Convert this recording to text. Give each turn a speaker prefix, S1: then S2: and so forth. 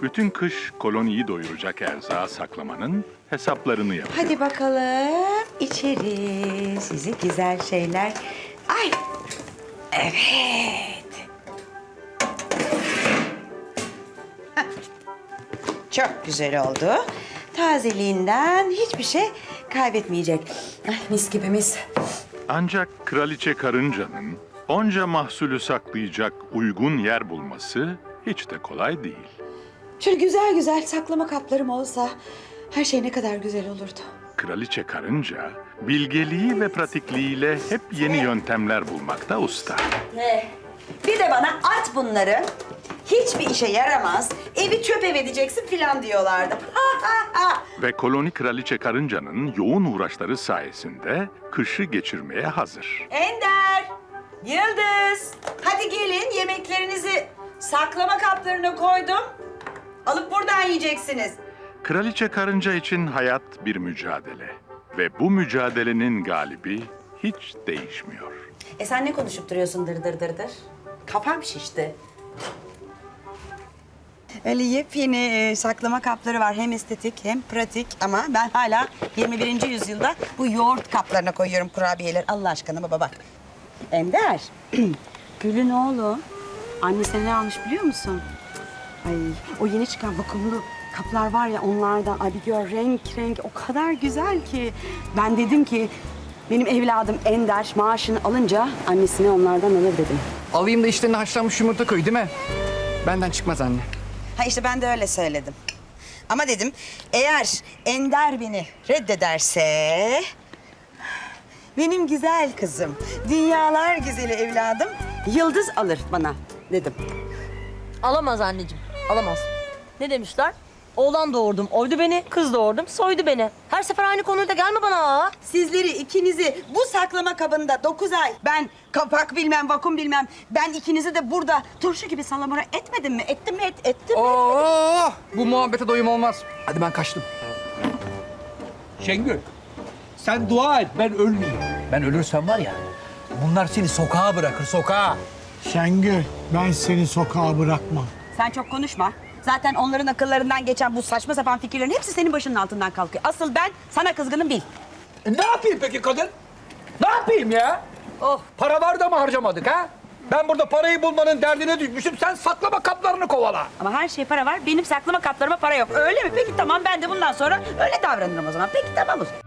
S1: bütün kış koloniyi doyuracak erzağı saklamanın hesaplarını yapıyor.
S2: Hadi bakalım içeri. Sizi güzel şeyler. Ay. Evet. Hah. Çok güzel oldu. Tazeliğinden hiçbir şey kaybetmeyecek. Ay, mis gibi mis.
S1: Ancak kraliçe karıncanın onca mahsulü saklayacak uygun yer bulması hiç de kolay değil.
S2: Şöyle güzel güzel saklama kaplarım olsa her şey ne kadar güzel olurdu.
S1: Kraliçe karınca bilgeliği ve pratikliğiyle hep yeni yöntemler bulmakta usta.
S2: Bir de bana at bunları. Hiçbir işe yaramaz. Evi çöp ev edeceksin filan diyorlardı.
S1: Ve koloni kraliçe karıncanın yoğun uğraşları sayesinde kışı geçirmeye hazır.
S2: Ender, Yıldız, hadi gelin yemeklerinizi saklama kaplarına koydum. Alıp buradan yiyeceksiniz.
S1: Kraliçe karınca için hayat bir mücadele. Ve bu mücadelenin galibi hiç değişmiyor.
S2: Sen ne konuşup duruyorsun dır dır dır dır? Kafam şişti. Öyle yepyeni saklama kapları var. Hem estetik hem pratik ama ben hala 21. yüzyılda bu yoğurt kaplarına koyuyorum kurabiyeler. Allah aşkına baba bak. Ender, Gül'ün oğlu annesine ne almış biliyor musun? Ay o yeni çıkan vakumlu kaplar var ya onlardan. Ay bir gör renk renk o kadar güzel ki. Ben dedim ki benim evladım Ender maaşını alınca annesine onlardan alır dedim.
S3: Alayım da içlerine haşlanmış yumurta koy değil mi? Benden çıkmaz anne.
S2: Ha işte ben de öyle söyledim. Ama dedim eğer Ender beni reddederse... benim güzel kızım, dünyalar güzeli evladım Yıldız alır bana dedim.
S4: Alamaz anneciğim, alamaz. Ne demişler? Oğlan doğurdum, oydu beni, kız doğurdum, soydu beni. Her sefer aynı konuyu da gelme bana.
S2: Sizleri ikinizi bu saklama kabında 9 ay ben kapak bilmem vakum bilmem ben ikinizi de burada turşu gibi salamura etmedim mi? Ettim mi? Ettim mi?
S3: Oo, bu muhabbete doyum olmaz. Hadi ben kaçtım.
S5: Şengül, sen dua et ben ölmeyeyim. Ben ölürsem var ya, bunlar seni sokağa bırakır, sokağa.
S6: Şengül, ben seni sokağa bırakmam.
S2: Sen çok konuşma. Zaten onların akıllarından geçen bu saçma sapan fikirlerin hepsi senin başının altından kalkıyor. Asıl ben sana kızgınım bil.
S5: Ne yapayım peki kadın? Ne yapayım ya? Oh, para var da mı harcamadık ha? Ben burada parayı bulmanın derdine düşmüşüm, sen saklama kaplarını kovala.
S2: Ama her şey para var. Benim saklama kaplarıma para yok. Öyle mi? Peki tamam ben de bundan sonra öyle davranırım o zaman. Peki tamam o zaman.